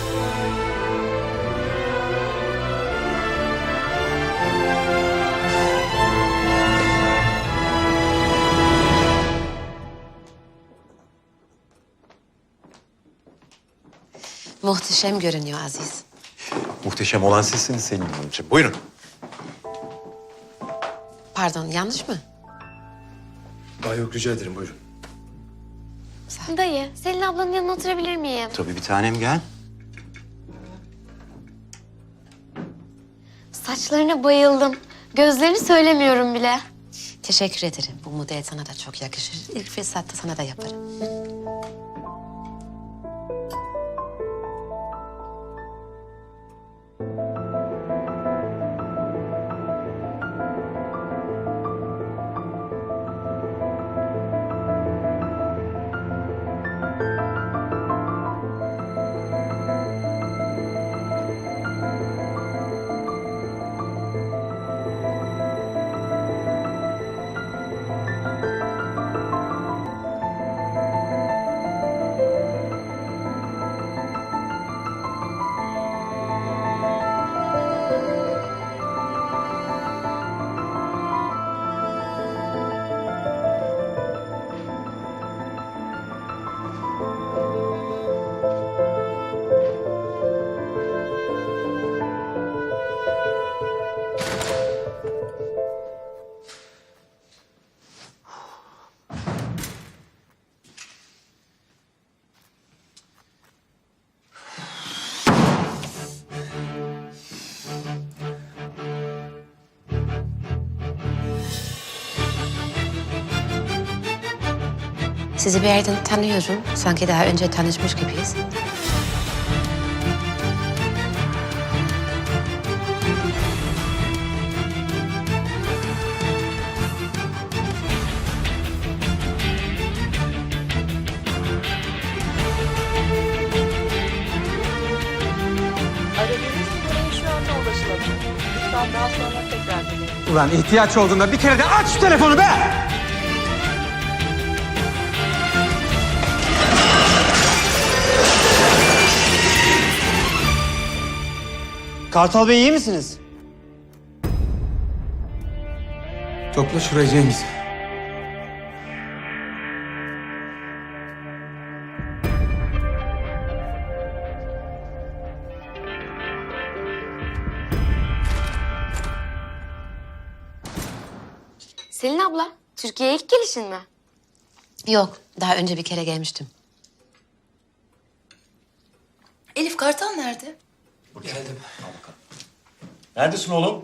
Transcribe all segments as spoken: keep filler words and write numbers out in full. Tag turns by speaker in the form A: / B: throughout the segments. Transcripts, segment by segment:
A: Muhteşem görünüyor Aziz.
B: Muhteşem olan sizsiniz Selin Hanımcığım. Buyurun.
A: Pardon, yanlış mı?
C: Aa, yok, rica ederim, buyurun.
D: Dayı, Selin ablanın yanına oturabilir miyim?
B: Tabii bir tanem, gel.
D: Saçlarına bayıldım. Gözlerini söylemiyorum bile.
A: Teşekkür ederim. Bu model sana da çok yakışır. İlk fırsatta sana da yaparım. Sizi bir yerden tanıyorum. Sanki daha önce tanışmış gibiyiz.
E: Aradığınız numaraya şu anda ulaşılamıyor. Lütfen daha sonra tekrar deneyin.
F: Ulan ihtiyaç olduğunda bir kere de aç şu telefonu be! Kartal Bey, iyi misiniz?
C: Topla şurayı Cengiz.
D: Selin abla, Türkiye'ye ilk gelişin mi?
A: Yok, daha önce bir kere gelmiştim.
E: Elif Kartal nerede?
C: Geldim.
B: Neredesin oğlum?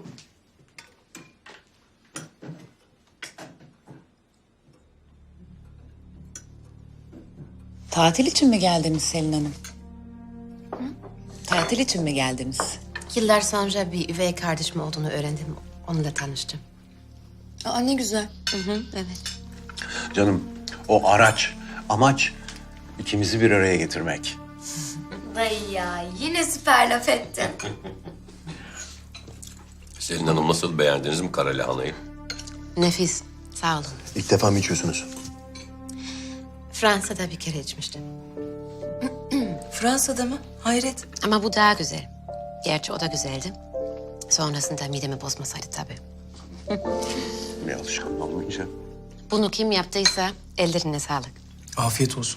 G: Tatil için mi geldiniz Selin Hanım? Hı? Tatil için mi geldiniz?
A: Yıllar sonra bir üvey kardeşim olduğunu öğrendim. Onunla tanıştım.
E: Aa, ne güzel.
A: Hı hı, evet.
B: Canım, o araç, amaç ikimizi bir araya getirmek.
D: Dayı ya, yine süper laf ettin.
H: Selin Hanım, nasıl, beğendiniz mi kara lahanayı?
A: Nefis, sağ olun.
B: İlk defa mı içiyorsunuz?
A: Fransa'da bir kere içmiştim.
E: Fransa'da mı? Hayret.
A: Ama bu daha güzel. Gerçi o da güzeldi. Sonrasında midemi bozmasaydı tabii.
B: Bir alışkanlık olmayınca.
A: Bunu kim yaptıysa ellerine sağlık.
C: Afiyet olsun.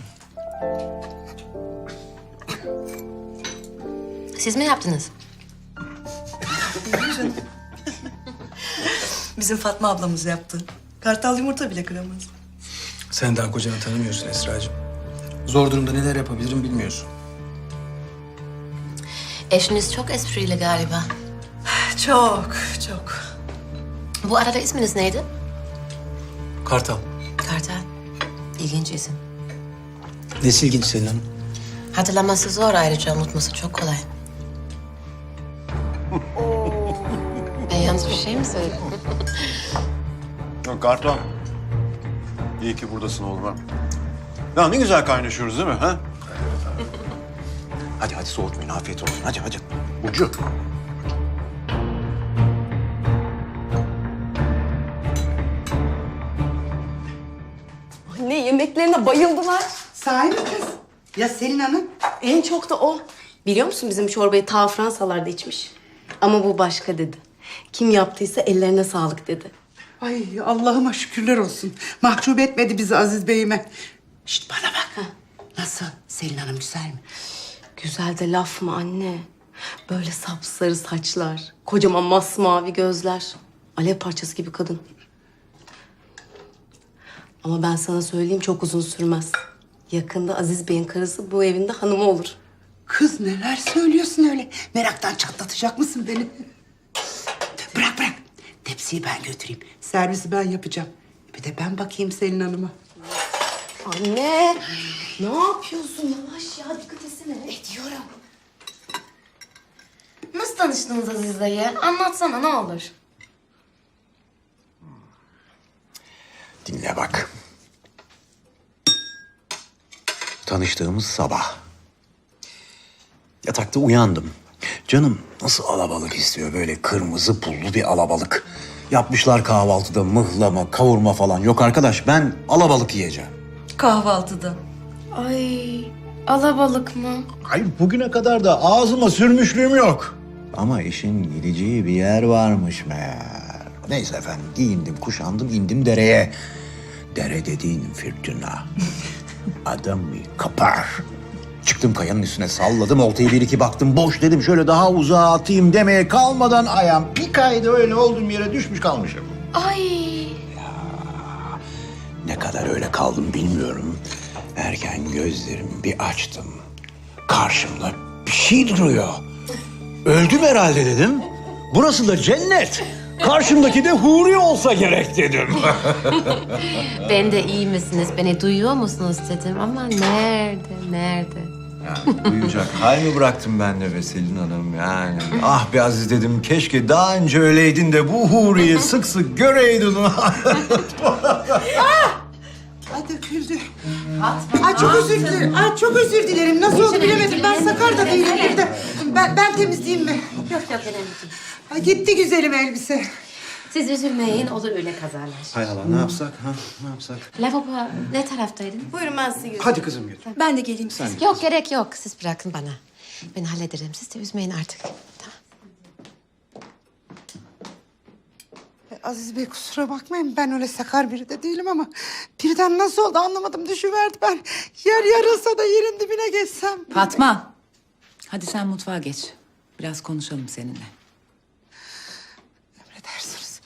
A: Siz mi yaptınız?
E: Bizim Fatma ablamız yaptı. Kartal yumurta bile kıramaz.
C: Sen daha kocanı tanımıyorsun Esra'cığım. Zor durumda neler yapabilirim bilmiyorsun.
A: Eşiniz çok esprili galiba.
E: Çok, çok.
A: Bu arada isminiz neydi?
C: Kartal.
A: Kartal. İlginç isim.
C: Nesi ilginç Selin Hanım?
A: Hatırlaması zor, ayrıca unutması çok kolay. Ben yalnız bir şey mi söyledim?
B: Yok Kartal. İyi ki buradasın oğlum. Ya ne güzel kaynaşıyoruz değil mi? Ha? Hadi hadi soğutmayın, afiyet olsun. Hadi hadi. Burcu.
I: Anne, yemeklerine bayıldılar.
J: Sahi mi kız? Ya Selin Hanım?
I: En çok da o. Biliyor musun bizim çorbayı ta Fransalarda içmiş. Ama bu başka dedi. Kim yaptıysa ellerine sağlık dedi.
J: Ay Allah'ıma şükürler olsun. Mahcup etmedi bizi Aziz Bey'ime. Şişt bana bak. Nasıl? Selin Hanım güzel mi?
I: Güzel de laf mı anne? Böyle sapsarı saçlar, kocaman masmavi gözler. Alev parçası gibi kadın. Ama ben sana söyleyeyim çok uzun sürmez. Yakında Aziz Bey'in karısı bu evin de hanımı olur.
J: Kız neler söylüyorsun öyle? Meraktan çatlatacak mısın beni? Bırak bırak. Tepsiyi ben götüreyim. Servisi ben yapacağım. Bir de ben bakayım Selin Hanım'a.
I: Anne, ne yapıyorsun? Yavaş ya, dikkat etsene.
D: Ediyorum. Nasıl tanıştınız Aziz dayı? Anlatsana ne olur.
B: Dinle bak. Tanıştığımız sabah. Yatakta uyandım. Canım nasıl alabalık istiyor, böyle kırmızı pullu bir alabalık. Yapmışlar kahvaltıda mıhlama, kavurma falan. Yok arkadaş, ben alabalık yiyeceğim.
G: Kahvaltıda.
D: Ay, alabalık mı?
B: Ay bugüne kadar da ağzıma sürmüşlüğüm yok. Ama işin gideceği bir yer varmış meğer. Neyse efendim, giyindim, kuşandım, indim dereye. Dere dediğin fırtına. Adam bir kapar. Çıktım kayanın üstüne, salladım oltayı, bir iki baktım boş, dedim şöyle daha uzağa atayım demeye kalmadan ayağım bir kaydı, öyle olduğum yere düşmüş kalmışım.
D: Ay.
B: Ne kadar öyle kaldım bilmiyorum. Erken gözlerimi bir açtım. Karşımda bir şey duruyor. Öldüm herhalde dedim. Burası da cennet. Karşımdaki de huri olsa gerek dedim.
A: Ben de iyi misiniz, beni duyuyor musunuz dedim ama nerede, nerede?
B: Yani duyacak hal mi bıraktım ben de be Selin Hanım yani. Ah be Aziz dedim, keşke daha önce öyleydin de bu huriyi sık sık göreydin.
J: Ay döküldü. Ay çok özür dilerim. Ay çok özür dilerim. Nasıl oldu bilemedim. Ben sakar da değilim bir de. Ben, ben temizleyeyim mi?
A: Yok yok önemli değil.
J: Ay gitti güzelim elbise.
A: Siz üzülmeyin, olur öyle kazalar.
B: Hay Allah, ne yapsak ha? Ne yapsak?
A: Lavabo ne taraftaydın?
I: Buyurun ben sizi götüreyim.
B: Hadi kızım götür.
G: Ben de geleyim siz.
A: Yok gerek yok, siz bırakın bana. Ben hallederim, siz de üzmeyin artık. Tamam.
J: Aziz Bey kusura bakmayın, ben öyle sakar biri de değilim ama birden nasıl oldu anlamadım, düşüverdi ben. Yer yarılsa da yerin dibine geçsem.
G: Fatma, hadi sen mutfağa geç. Biraz konuşalım seninle.
J: Emredersiniz.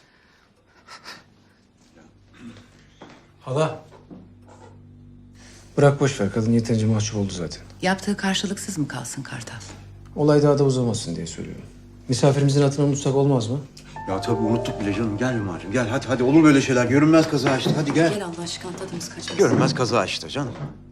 C: Hala. Bırak boş ver. Kadın yeterince mahcup oldu zaten.
G: Yaptığı karşılıksız mı kalsın Kartal?
C: Olay daha da uzamasın diye söylüyorum. Misafirimizin hatırını unutsak olmaz mı?
B: Ya tabii unuttuk bile canım. Gel Ömerciğim gel, hadi hadi, olur böyle şeyler. Görünmez kaza işte, hadi gel.
G: Gel Allah aşkına tadımız kaçmasın.
B: Görünmez kaza işte canım.